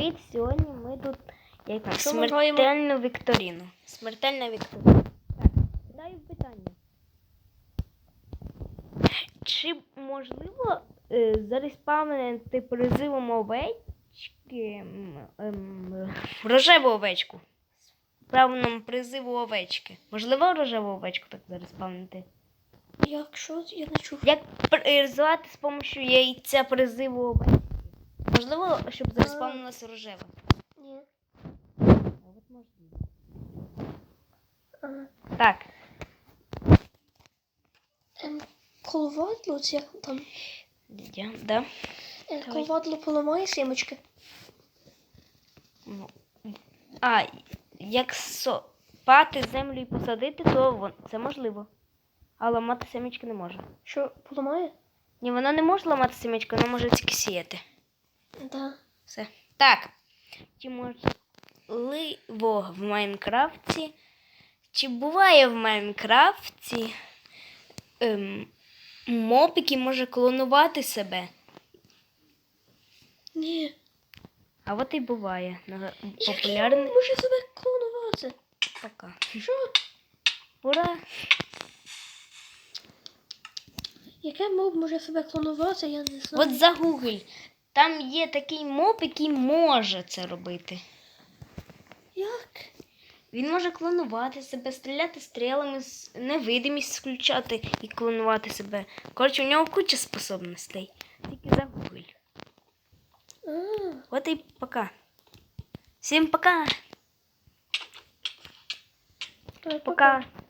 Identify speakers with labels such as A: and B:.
A: Привіт! Сьогодні ми тут яка
B: Що ми
A: смертельну вікторину. Смертельна вікторина. Так, кидаю питання. Чи можливо зареспавнити призивом овечки рожеву овечку? Правильному призиву овечки. Можливо рожеву овечку так зареспавнити?
B: Якщо я не чув.
A: Як призивати з допомогою яйця призиву овечки? Можливо, щоб зареспавнилася рожева?
B: Ні.
A: От можливо.
B: Ага.
A: Так.
B: Коловадло, це як там?
A: Да.
B: Коловадло поламає сімочки.
A: А, як сопати землю і посадити, то це можливо. А ламати семечки не може.
B: Що, поламає?
A: Ні, вона не може ламати семечки, вона може тільки сіяти.
B: Да.
A: Все. Так. Чи можливо в Майнкрафті? Чи буває в Майнкрафті моб, який може клонувати себе?
B: Ні.
A: А от і буває. Популярний.
B: Як може себе клонувати?
A: Пока.
B: Що?
A: Ура!
B: Яке моб може себе клонувати, я не знаю.
A: От загугль. Там є такий моб, який може це робити.
B: Як?
A: Він може клонувати себе, стріляти стрілами, невидимість включати і клонувати себе. Коротше, у нього куча способностей. Тільки загугль. От і пока. Всім пока.
B: Пока.
A: Пока.